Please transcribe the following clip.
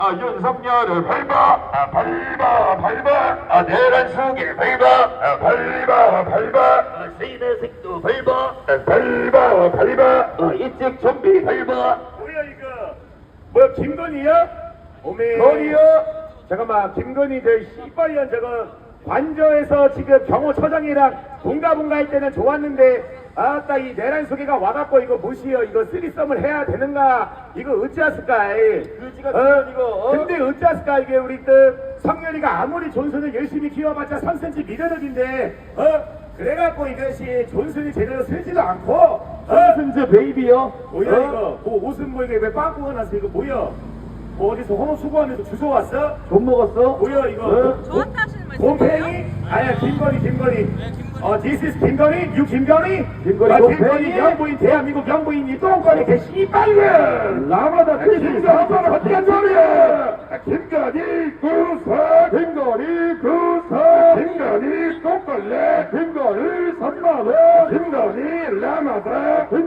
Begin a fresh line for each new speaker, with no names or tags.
윤석열을 밟아 내란 속에 밟아 시대색도 밟아 이쪽 좀비 밟아.
뭐야 이거? 뭐야 김건희야? 오메.
건희요?
잠깐만 김건희 저 씨발년 저거 관저에서 지금 경호처장이랑 bun가bun가 할 때는 좋았는데 아따 이 내란 소개가 와갖고 이거 무시여 이거 쓰리썸을 해야 되는가 이거 어찌하실까
그지가 이거
근데 어찌하실까 이게 우리 또 성렬이가 아무리 존슨을 열심히 키워봤자 3cm 미더덕인데 그래갖고 이것이 존슨이 제대로 쓰지도 않고
존슨즈 베이비요?
뭐야 이거 뭐 옷은 뭐 이게 왜 빵꾸가 났어 이거 뭐야 뭐 어디서 호모 수거하면서 주워 왔어?
돈 먹었어?
뭐야 이거
저한테 하시는 말씀.
곰팽이? 아니야 김건희 this is 김건희? you 김건희?
김건희
김건희
곰팽이?
영부인 대한민국 영부인이 똥꼬리 개 씨발년
라마다
김건희 어떤 소리야 김건희 구사
김건희 구사
김건희 똥걸레
김건희 3만원
김건희 라마다